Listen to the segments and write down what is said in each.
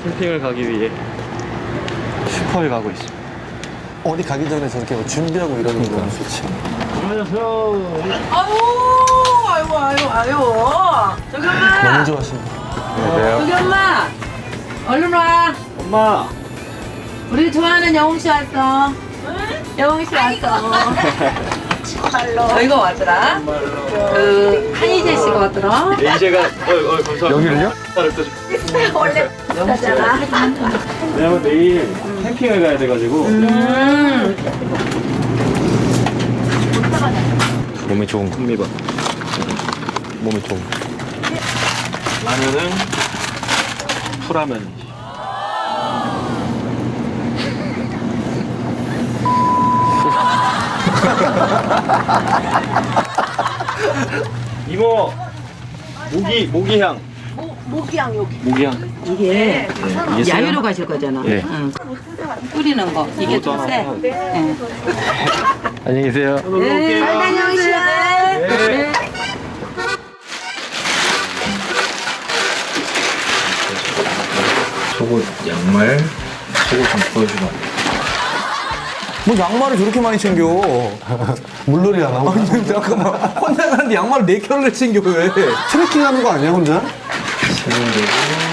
캠핑을 가기 위해 슈퍼에 가고 있습니다. 어디 가기 전에 저렇게 뭐 준비하고 이러는 거 너무 좋지. 안녕하세요. 아유. 저기 엄마. 너무 좋아하시네. 저기 엄마. 얼른 와. 엄마. 우리 좋아하는 영웅 씨 왔어. 영웅 씨 왔어. 저희가 왔더라. 그 한희재 씨가 왔더라. 이제가 감사합니다. 여기를요? 원래 영웅씨잖아. 왜냐면 내일 캠핑을 가야 돼가지고 몸에 좋은 콤비바. 몸에 좋은 라면은 풀라면이지. 이모 모기향. 모기향 여기. 모기향. 이게 이게 야유로 가실 거잖아. 예. 응. 뿌리는 거. 이게 좀 세. 예. 안녕히 계세요. 네. 잘 다녀오시오. 네. 속옷 양말 속옷 좀 보여주면 안 돼? 뭐 양말을 저렇게 많이 챙겨. 물놀이 안 하고. 아니, 잠깐만. 혼자 가는데 양말을 4켤레 챙겨, 왜? 트레킹 하는 거 아니야, 혼자? 세면되고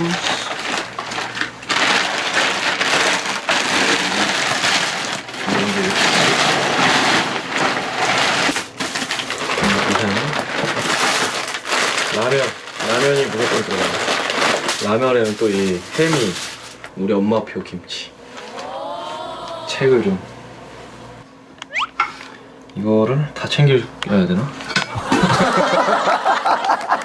라면이 무조건 들어가요. 라면에는 또 이 햄이 우리 엄마표 김치. 책을 좀 이거를 다 챙겨야 되나?